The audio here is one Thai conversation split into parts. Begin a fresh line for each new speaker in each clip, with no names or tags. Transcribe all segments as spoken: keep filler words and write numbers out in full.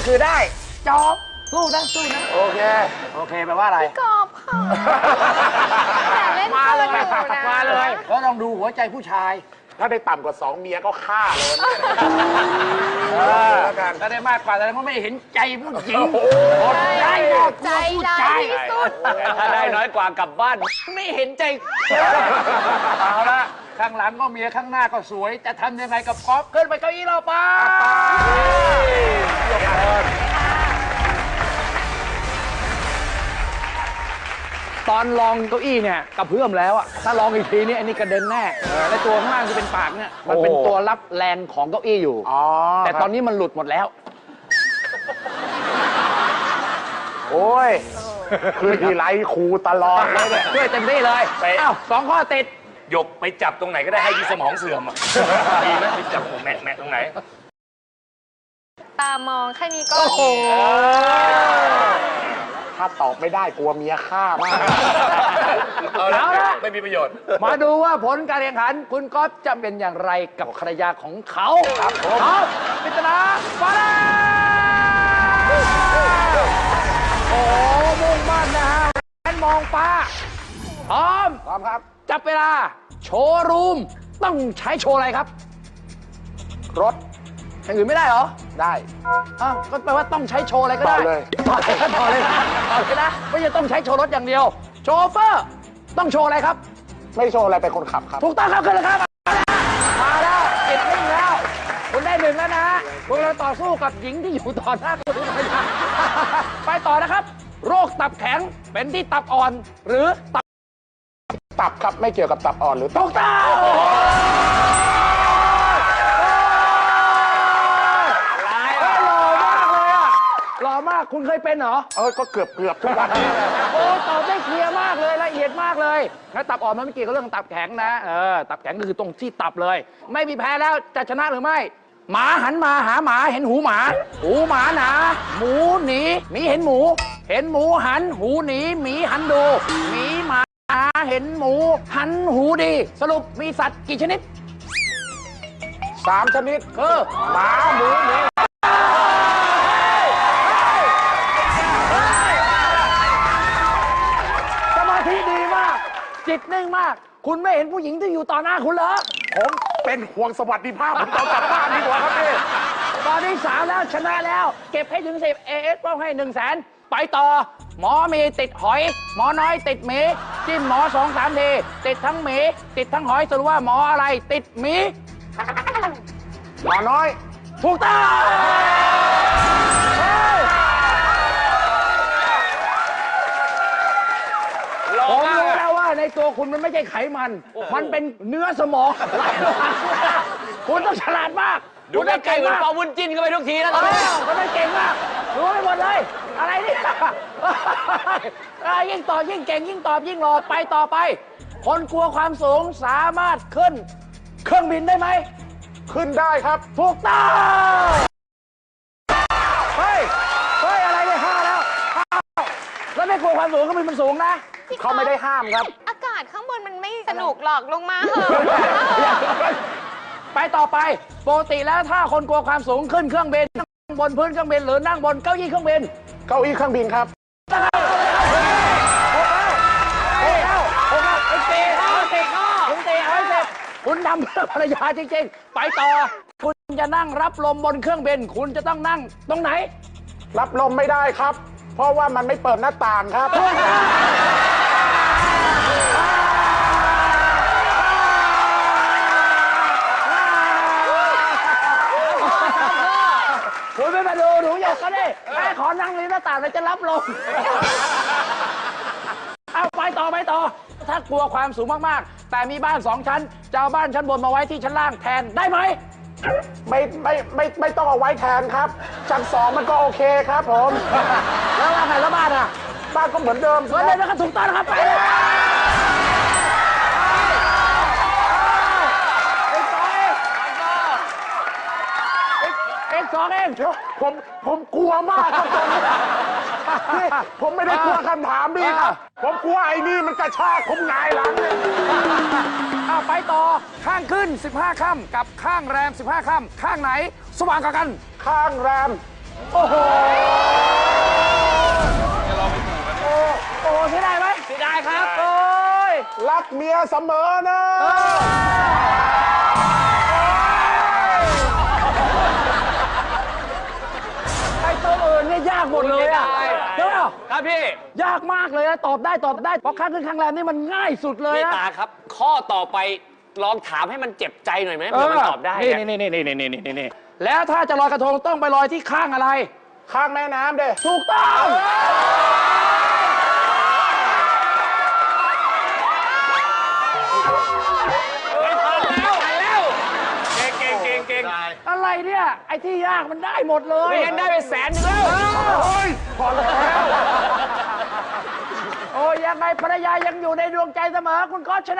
คือได้จอบสู้นะสู้นะโอเคโอเคแปลว่าอะไร
กอบค่ะแต่เล่นมาเลย
มาเลยแล้วลองดูหัวใจผู้ชาย
ถ้าได้ต่ำกว่าสองเมียก็ฆ่าเลยแล้วกัน
ถ้าได้มากกว่าแต่ก็ไม่เห็นใจผู้หญิงใจ
ใจร้ายที่สุด
ถ้าได้น้อยกว่ากลับบ้านไม่เห็นใจเอาละข้างหลังก็เมียข้างหน้าก็สวยจะทำยังไงกับก๊อฟขึ้นไปเก้าอี้เราไปตอนลองเก้าอี้เนี่ยกระเพื่อมแล้วอะถ้าลองอีกทีนี่อันนี้กระเด็นแน่และตัวข้างล่างที่เป็นปากเนี่ยมันเป็นตัวรับแรงของเก้าอี้อยู่แต่ตอนนี้มันหลุดหมดแล้ว
โอ้ยคือทีไรครูตลอดเลยเนี่ย
ช่วยเต็มที่เลยเอ้าสองข้อติด
หยกไปจับตรงไหนก็ได้ให้ที่สมองเสื่อมอ่ะดีไหมไปจับแหมะแหมะตรงไหน
ตามองแค่นี้ก็
ถ้าตอบไม่ได้กลัวเมียฆ่ามาก
เอาละไม่มีประโยชน์
มาดูว่าผลการแข่งขันคุณก๊อฟจะเป็นอย่างไรกับภรรยาของเขาครับผมครับปริศนาฟ้าแลบโอ้มุ่งมั่นนะฮะแอนมองฟ้าพร้อม
พร้อมครับ
จับเวลาโชว์รูมต้องใช้โชว์อะไรครับ
รถ
อย่างอื่นไม่ได้เหรอ
ได้
อ้าวก็แปลว่าต้องใช้โชว์อะไรก็ได้
ต่อเลย
ต่อเลยต่อเลยต่อเลยนะไม่ใช่ต้องใช้โชว์รถอย่างเดียวโชเฟอร์ต้องโชว์อะไรครับ
ไม่โชว์อะไรเป็นคนขับครับ
ถูกต้องครับขึ้นเลยครับมาแล้วติดนิ่งแล้วคุณได้หนึ่งแล้วนะคุณเราต่อสู้กับหญิงที่อยู่ต่อหน้าคุณไปต่อนะครับโรคตับแข็งเป็นที่ตับอ่อนหรือตับ
ตับครับไม่เกี่ยวกับตับอ่อนหรือ
ถูกต้องหล่อมากคุณเคยเป็นเหรอ
เออก็เกือบเกือบทุกวัน
โอ้ตอบได้เคลียร์มากเลยละเอียดมากเลยแล้วตับอ่อนมันไม่เกี่ยวกับเรื่องตับแข็งนะเออตับแข็งคือตรงที่ตับเลยไม่มีแพ้แล้วจะชนะหรือไม่หมาหันมาหาหมาเห็นหูหมาหูหมาหนาหมูหนีหมีเห็นหมูเห็นหมูหันหูหนีหมีหันดูหมีหมาเห็นหมูหันหูดีสรุปมีสัตว์กี่ชนิด
สามชนิด
คือ
หมาหมูหมี
สมาธิดีมากจิตนิ่งมากคุณไม่เห็นผู้หญิงที่อยู่ต่อหน้าคุณเหรอ
ผมเป็นห่วงสวัสดิภาพผมต้องกลับบ้านดีกว่าครับพี่
ตอนนี้สามแล้วชนะแล้วเก็บให้ถึงสิบเอเอสป้องให้หนึ่งแสนไปต่อหมอมีติดหอยหมอน้อยติดหมีจิ้มหมอสองสามทีติดทั้งหมีติดทั้งหอยสรุปว่าหมออะไรติดหมี
หมอน้อย
ถูกต้องผมรู้แล้วว่าในตัวคุณมันไม่ใช่ไขมันมันเป็นเนื้อสมองคุณต้องฉลาดมาก
ดูได้ไก่เหมือนปอวุ้นจิ้นก็ไปทุกทีแล้วตอนนี้
คุณไม่เก่งมากรู้ไปหมดเลยอะไรเนี่ยยิ่งตอบยิ่งเก่งยิ่งตอบยิ่งหล่อไปต่อไปคนกลัวความสูงสามารถขึ้นเครื่องบินได้ไหม
ขึ้นได้ครับ
ถูกต้องเฮ้ยเฮ้ยอะไรเนี่ยห้าแล้วแล้วไม่กลัวความสูงเครื่องบินมันสูงนะ
เขาไม่ได้ห้ามครับ
อากาศข้างบนมันไม่สนุกหรอกลงมาเหอะ
ไปต่อไปปกติแล้วถ้าคนกลัวความสูงขึ้นเครื่องบินนั่งบนพื้นเครื่องบินหรือนั่งบนเก้าอี้เครื่องบิน
เก้าอี้เครื่องบินครับ
คุณทำเพื่อภรรยาจริงๆไปต่อคุณจะนั่งรับลมบนเครื่องบินคุณจะต้องนั่งตรงไหน
รับลมไม่ได้ครับเพราะว่ามันไม่เปิดหน้าต่างครับ
คุณไม่มาดูหนูหยกก็ได้แม่ขอนั่งริมหน้าต่างแล้วจะรับลมเอาไปต่อไปต่อถ้ากลัวความสูงมากๆแต่มีบ้านสองชั้นจะเอาบ้านชั้นบนมาไว้ที่ชั้นล่างแทนได้ไหม
ไม่ไม่ไม่ไม่ต้องเอาไว้แทนครับชั้นสองมันก็โอเคครับผม
แล้วอะไรแล้วบ้านอ่ะ
บ้านก็เหมือนเดิม
เหมือนเดิมแล้วก็ถูกต้องนะครับไปเลยเอ็กซ์สองเอง
ผมผมกลัวมากครับพี่ผมไม่ได้กลัวคำถามพี่ครับผมกลัวไอ้นี่มันกระชากผมหงายหลังเลย
เอาไปต่อข้างขึ้นสิบห้าค่ำกับข้างแรมสิบห้าค่ำข้างไหนสว่างกว่ากัน
ข้างแรม
โอ้โหโอ้โอ้เสียดายไหมเสียดายครับโอ้ย
รักเมียเสมอนะ
ไอ้ตัวอื่นเนี่ยยากหมดเลยอะใช่ไหม
ครับพี่
ยากมากเลยนะตอบได้ตอบได้เพราะข้างขึ้นข้างแรมนี่มันง่ายสุดเลย
พี่
นะ
ตาครับ ข้อต่อไปลองถามให้มันเจ็บใจหน่อยไหมเผื่อมันตอบได้
นี่
อะ
นี่นี่นี่นี่นี่นี่แล้วถ้าจะลอยกระทงต้องไปลอยที่ข้างอะไร
ข้างแม่น้ำเด้
ถูกต้อง
เก่งเก่งเก่ง
อะไรเนี่ย ไอ้ที่ยากมันได้หมดเลย
ไม่งั้นได้ไปแสนหนึงแล้ว
โอ้ยพอแล้ว
โอ้ยยังไงภรรยายังอยู่ในดวงใจเสมอคุณก็ชนะ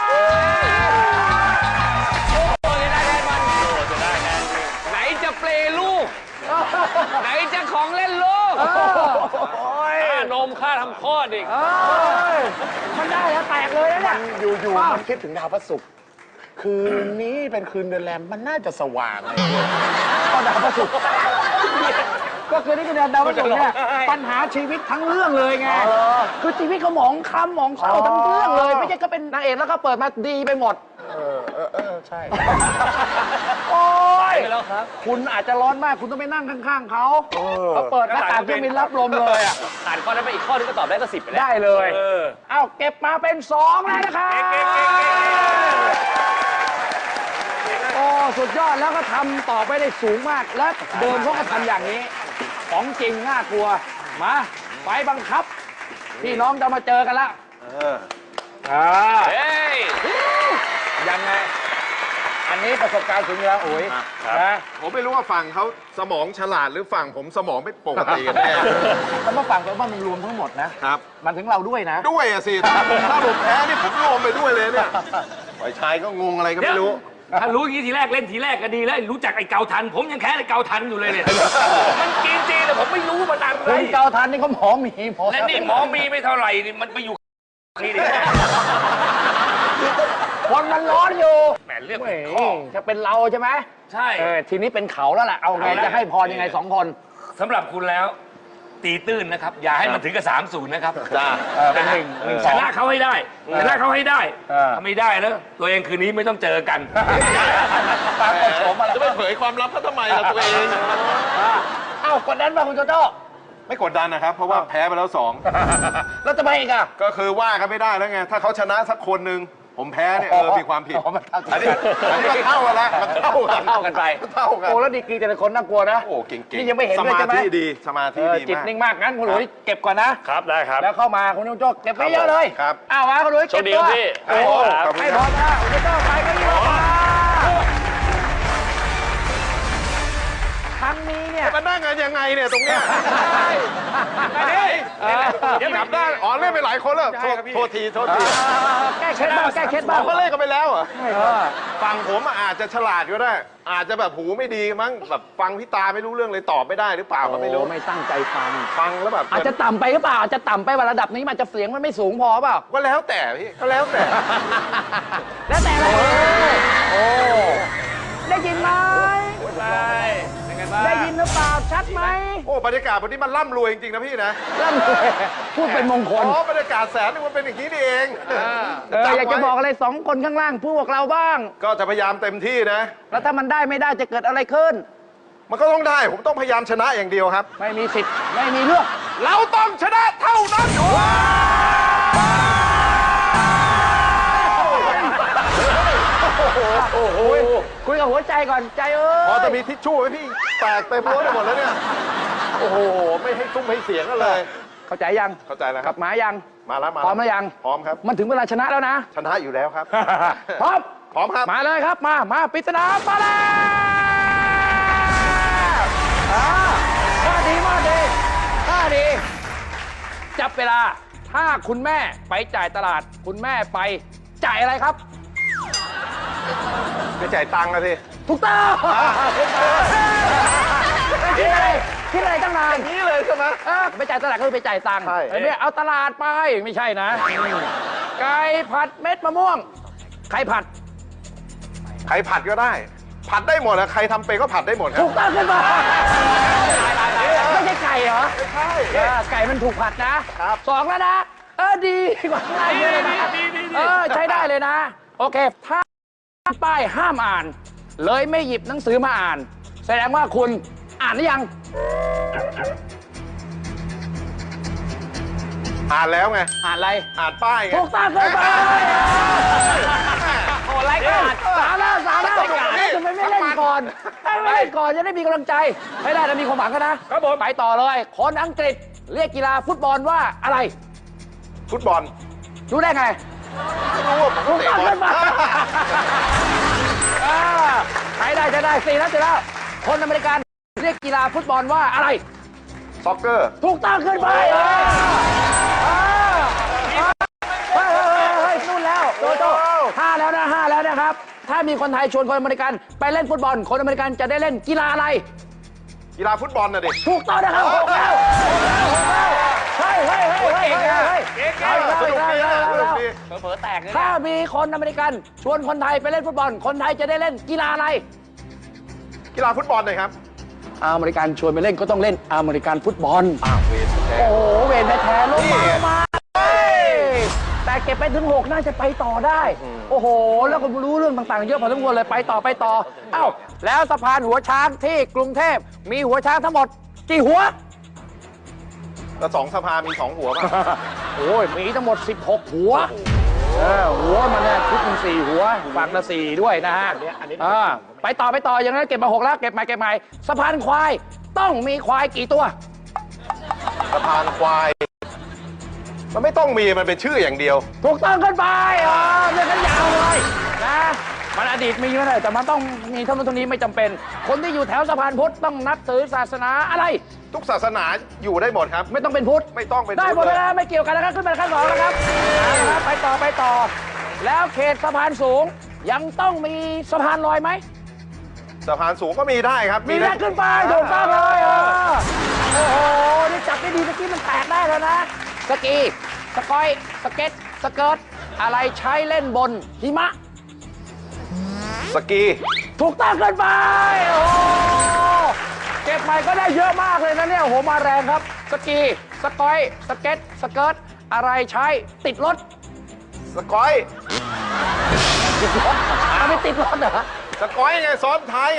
ไหนจะเปลลูก ไหนจะของเล่นลูกค่านมค่าทำคลอดอีก
เอ้ยมันได้แล้วแตกเลยนะเนี่ย
อยู่ๆมันคิดถึงดาวพระศุกร์คืนนี้เป็นคืนเดือนแรมมันน่าจะสว่างเลย
ก็ดาวพระศุกร์ก็คือนี่คือดาวพระศุกร์เนี่ยปัญหาชีวิตทั้งเรื่องเลยไงคือชีวิตเขาหมองคล้ำหมองเศร้าทั้งเรื่องเลย ไม่ใช่ก็เป็นนางเอกแล้วก็เปิดมาดีไปหมด
เออเออเออใช่
โอ้ย
ไปแล้วครับ
คุณอาจจะร้อนมากคุณต้องไปนั่งข้างๆเขาเขาเปิดหน้าต่างเครื่องบินรับลมเลยอ่ะ
ผ่านข้อนั้นไปอีกข้อนึงก็ตอบได้ก็สิบไปแล้ว
ได้เลย
เออ
เอาเก็บมาเป็นสองแล้วนะครับ
เก่งเก่งเก่งเก่ง
โอ้สุดยอดแล้วก็ทำต่อไปได้สูงมาก และเดิมเขาก็ทำอย่างนี้ ของจริงน่ากลัว มาไปบังคับ พี่น้องจะมาเจอกันละอ่า
เฮ้ย
ยังไง อันนี้ประสบการณ์สูงอยู่แล้วโอ้ยนะ
ผมไม่รู้ว่าฝั่งเขาสมองฉลาดหรือฝั่งผมสมองไม่ปกติกันแน่
แต่เมื่อฟังแล้วว่ามันรวมทั้งหมดนะครับ มันถึงเราด้วยนะ
ด้วยอะสิถ้าผมถ้าผมแพ้นี่ผมรวมไปด้วยเลยเนี่ยฝ่ายชายก็งงอะไรก็ไม่รู้
ถ้ารู้อย่างนี้ทีแรกเล่นทีแรกก็ดีแล้วรู้จักไอ้เกาทัน ผมยังแค่ไอ้เกาทันอยู่เลยเนี่ย มันกินจริงแต่ผมไม่รู้มันอะไร
คุณเกาทันนี่เขาหมอมีพอ
และนี่หมอมีไม่เท่าไหร่นี่มันไปอยู่นี่ดิ
คนมันร้อนอยู่
แหมเรื่อง
เฮ้ย
ข้อ
จะเป็นเราใช่ไหม
ใช่
เออทีนี้เป็นเขาแล้วแหละเอาไงจะให้พรยังไงสองคน
สำหรับคุณแล้ว ตีตื้นนะครับ อย่าให้มันถึงกับสามศูนย์นะครับ
จ้า
เออเป็นหนึ่งหนึ่งส
ช
อง
นะเขาให้ได้ชนะเขาให้ได้
เออ
ถ้าไม่ได้แล้วตัวเองคืนนี้ไม่ต้องเจอกัน
ปรากฏโฉมมาแล้ว
จะไปเผยความลับเขาทำไมล่ะตัวเอง
เอ้ากดดันมาคุณโจโจ้
ไม่กดดันนะครับ เพราะว่าแพ้ไปแล้วสอง
แล้วจะไปอีกอ่ะ
ก็คือว่ากันไม่ได้แล้วไง ถ้าเขาชนะสักคนหนึ่งผมแพ้เนี่ยเออมีความผิด
อ๋อมันเท่ากัน
อันนี้อันนี้มันเท่ากันแล้วมันเท่ากัน
เท่ากันไป
เท่ากัน
โอ้แล้วดีกรีแต่ละคนน่ากลัวนะ
โอ้เก่งๆ
นี่ยังไม่เห็น
ส
ด้วย
มา
ใช่ไหม
ธิดีสมาธิ
เออ
ดี
จิต
มาก
นิ่งมากงั้นคุณหลุยเก็บก่อนนะครับ
ได้ครับ
แล้วเข้ามาคุณโจโจ้เก็บไปเยอะเลย
ครับ
อ้าวมาคุณหลุยเก็บ
โชคดี
ตัว
ครับพี่
โอ้
ขอบคุณ
ให้
ค
พ
รั
อบ มาคุณโจโจ้ไปก็ยิ่งมาครั้งนี้เนี่ย
มานั่งกันยังไงเนี่ยตรงเนี้ย
เออ
เดี๋ยวกลับได้อ๋อเล่นไปหลายคนแล้วโทษโทษทีโทษที
แก้เคล็ดบ้างแก้เคล็ดบ้าง
เขาเล่นกันไปแล้วเหรอ
เออ
ฟังผมอาจจะฉลาดก็ได้ อาจจะแบบหูไม่ดีมั้งแบบฟังพี่ตาไม่รู้เรื่องเลยตอบไม่ได้หรือเปล่าก็ไม่รู้
โอ้ไม่ตั้งใจฟัง
ฟังแล้วแบบ
อาจจะต่ำไปหรือเปล่าอาจจะต่ำไปว่าระดับนี้มันอาจจะเสียงมันไม่สูงพอเปล่า
ก็แล้วแต่พี่ก็แล้วแต่
แล้วแต่อะไรโอ้ได้ยินไหม
เป็นไงบ้าง
ได้ยินหรือเปล่าชัดไหม
โอ้บรรยากาศวันนี้มันร่ำรวยจริงๆนะพี่นะ
ร่ำรวยพูดเป็นมงคล
อ๋อบรรยากาศแสนนึงมันเป็นอย่างนี้นี่เอง
เอออยากจะบอกอะไรสองคนข้างล่างพวกเราบ้าง
ก็จะพยายามเต็มที่นะ
แล้วถ้ามันได้ไม่ได้จะเกิดอะไรขึ้น
มันก็ต้องได้ผมต้องพยายามชนะอย่างเดียวครับ
ไม่มีสิทธิ์ไม่มีเรื่อง
เราต้องชนะเท่านั้น
โอ้โหคุยกับหัวใจก่อนใจเอ้ย
พอจะมีทิชชู่ไหมพี่แตกเต็มรถไปหมดแล้วเนี่ยโอ้โหไม่ให้ซุ้มให้เสียงกันเลย
เข้าใจยัง
เข้าใจแล้วค
ก
รั
ลั
บบ
มายัง
มาแล้วมา
พร้อมหรือยัง
พร้อมครับ
มันถึงเวลาชนะแล้วนะ
ชนะอยู่แล้วครับ
พร้อม
พร้อมครับ
มาเลยครับมามาปริศนามาแล้วอ่ามาดีมาดีมาดี จับเวลาถ้าคุณแม่ไปจ่ายตลาด คุณแม่ไปจ่ายอะไรครับ
ไปจ่ายตังค์กันสิ
ถูกต้องคิดอะไรคิดอะไรตั้งนาน
นี่เลยใช่ไหม
เออไปจ่ายตลาดก็คือไปจ่ายตังค์
ใช่
ไอ้เนี่ยเอาตลาดไปไม่ใช่นะไก่ผัดเม็ดมะม่วงไข่ผัด
ใครผัดก็ได้ ผัดได้หมดอะใครทำเป็นก็ผัดได้หมดครั
ถู
บ
กต้องขึ้นมาไม่ใช่ไก่เหรอ
ไม่ใช่
เออไก่มันถูกผัดนะครับสองแล้วนะ เออดีกว่าง่ายเยอะเลยนะเออใช้ได้เลยนะ โอเค ถ้าป้ายห้ามอ่าน เลยไม่หยิบหนังสือมาอ่าน แสดงว่าคุณอ่านหรือยัง
อ่านแล้วไง
อ่านอะไร
อ่านป้ายไง
ถูกต้องเลยไป
โอ้ไร้กาด
สามแล้วสามแล้ว
ไร้กาด
ทำไมไม่เล่นก่อนทำไมไม่เล่นก่อนจะได้มีกำลังใจ ไม่ได้นะมีความหวังกันนะครับ
ผม
ไปต่อเลย คนอังกฤษเรียกกีฬาฟุตบอลว่าอะไร
ฟุตบอล
รู้ได้ไง
ไม่รู้ว่าผม
ถูก
เตะ
ต้อง
บอ
เล
ล
ยมาอ่าใช้ได้ใช้ได้สี่แล้วเสร็จแล้ว คนอเมริกันเรียกกีฬาฟุตบอลว่าอะไร
ซ็อกเกอร์
ถูกต้องขึ้นไปเออเออเฮ้ยเฮ้ยเฮ้ยนู่นแล้วโจโจ้ห้าแล้วนะห้าแล้วนะครับ ถ้ามีคนไทยชวนคนอเมริกันไปเล่นฟุตบอล คนอเมริกันจะได้เล่นกีฬาอะไร
กีฬาฟุตบอลน่ะดิ
ถูกต้องนะครับหกแล้วหกแล้วเฮ้ยเฮ้ยเฮ้ยเฮ้ยเฮ้ย
เก่ง
เอาอีกแล้ว
สนุกดี
เอา
นะ
อีกแล้ว
สนุกดี
เผลอๆแตกเลย
ถ้ามีคนอเมริกันชวนคนไทยไปเล่นฟุตบอล คนไทยจะได้เล่นกีฬาอะไร
กีฬาฟุตบอลหน่อยครับ
อเมริกันชวนไปเล่นก็ต้องเล่นอเมริกันฟุตบอล
อ้าวเวทแท้
โอ้โห เวรแท้ๆลงมา
นี่
ลงมาเฮ้ยแต่เก็บไปถึงหกน่าจะไปต่อได้ โอ้โห แล้วก็รู้เรื่องต่างๆ เยอะพอสมควรเลยไปต่อไปต่อ เอ้า แล้วสะพานหัวช้างที่กรุงเทพมีหัวช้างทั้งหมดกี่หัว
แล้วสองสภามีสองหัวป่ะ
โอ้ย มีทั้งหมด สิบหก หัว เออ หัวมันเนี่ยชุดหนึ่งสี่หัวฝั่งละสี่ด้วยนะฮะอ่าไปต่อไปต่ออย่างนั้นเก็บมาหกแล้วเก็บใหม่เก็บใหม่สะพานควายต้องมีควายกี่ตัว
สะพานควาย มันไม่ต้องมีมันเป็นชื่ออย่างเดียว
ถูกต้องขึ้นไปอ๋อเรื่องกันยาวเลยนะมันอดีตมีมาเลยแต่มันต้องมีเท่านั้นเท่านี้ไม่จำเป็น คนที่อยู่แถวสะพานพุทธต้องนับถือศาสนาอะไร
ทุกศาสนาอยู่ได้หมดครับ
ไม่ต้องเป็นพุทธ
ไม่ต้องเป็น
ได้หมด
พุทธ
เลยนะไม่เกี่ยวกันนะครับขึ้นไปขั้นสองนะครับเอาละครับไปต่อไปต่อ แล้วเขตสะพานสูงยังต้องมีสะพานลอยไหม
สะพานสูงก็มีได้ครับ
มีแรกขึ้นไปถูกต้องเลยเออโอ้โห นี่จับได้ดีเมื่อกี้มันแตกได้แล้วนะ สกี สกอย สเก็ต สเกิร์ต อะไรใช้เล่นบนหิมะ
สกี
ถูกต้องขึ้นไป โอ้โหเก็บใหม่ก็ได้เยอะมากเลยนะเนี่ย โอ้โห มาแรงครับ สกี สกอย สเก็ต สเกิร์ต อะไรใช้ติดรถ
สกอย
ติดรถเอาไม่ติดรถเหรอ
สกอยไงซ้อนท้ายไง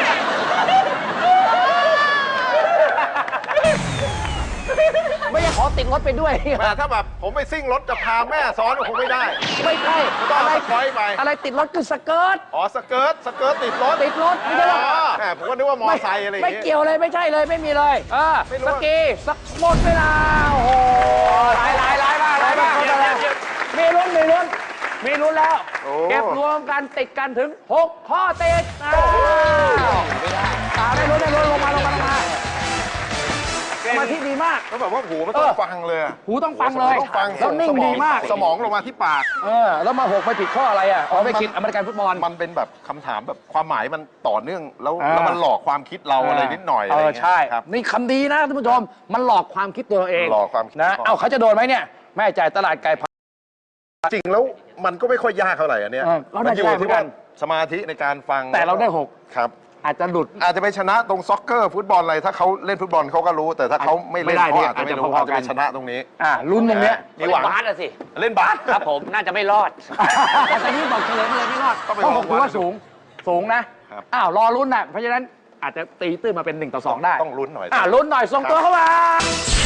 ไม่ใช่ขอติดรถไปด้วย
แต่ถ้าแบบผมไปซิ่งรถจะพาแม่ซ้อนก็คงไม่ได้
ไม่ใช่
ต้อง
อะไร
สกอยไป
อะไรติดรถคือสเกิร์ต
อ๋อสเกิร์ตสเกิร์ตติดรถ
ติดรถไม่ใช่หรอ
อ๋อแหมผมก็นึกว่ามอไซค์อะไรอย่าง
ไม่
งี้
เกี่ยวเลยไม่ใช่เลยไม่มีเลยเออ
ไม่รู้
สกีสักหมดเวลาโอ้โห
ลายลายลายมากลายมาก
มีลุ้นมีลุ้นมีลุ้นแล้ว
โอ้
เก็บรวมกันติดกันถึงหกข้อติดอ้าวตาได้ลุ้นได้ลุ้นลงมาลงมาลงมาสมาธิดีมาก
แล้วแบบว่าหูมันต้อง
เออ
ฟังเลยอะ
หูต้องฟังเลย
ต้องฟัง
แล้วนิ่ง
สมอ
ดีมาก
สมองลงมาที่ปาก
เออแล้วมาหกไปผิดข้ออะไรอ่ะอ๋อไปคิดอเมริกันฟุตบอล
มันเป็นแบบคำถามแบบความหมายมันต่อเนื่องแล้ว
อ่า
แล้วมันหลอกความคิดเราอะไรนิดหน่อย
เอ
อะไร
อ
เงี้ย
ใช่
ครับ
นี่คำดีนะท่านผู้ชม มันหลอกความคิดตัวเราเอง
หลอกความคิด
นะ
ก่อน
เอ้าเขาจะโดนไหมเนี่ย แม่จ่ายตลาดไก่พัน
จริงแล้วมันก็ไม่ค่อยยากเท่าไหร่อันเนี้ย
เออเราได้
มันอยู่
ได้เหมือ
ที่
นกั
ว่าน สมาธิในการฟัง
แต่เราได้หก
ครับ
อาจจะหลุด
อาจจะไปชนะตรงซ็อกเกอร์ฟุตบอลอะไรถ้าเขาเล่นฟุตบอลเขาก็รู้ แต่ถ้าเขาไม่เล่น
ไม่ได้
เขาอาจจะ
เนี่ย
ไม่รู้
อา
อา
จ
จ
จะ
จะ
พอๆ
ไปชนะตรงนี้
อ่าลุ้นตรงเนี้ย
มีหวัง
บาสอะสิ
เล่นบาส
ครับผมน่าจะไม่รอด
แต่นี่บอกเฉลยมาเลยไม่รอด
ต้องไป
เพราะ
ล
ห
อง
กถือว่า
วัดดู
สูง สูงนะ
ครับ
อ้าว รอลุ้นน่ะ เพราะฉะนั้นอาจจะตีตื้นมาเป็นหนึ่งต่อสองได้
ต้องลุ้นหน่อย
อ่าลุ้นหน่อย ส่งตัวเข้ามา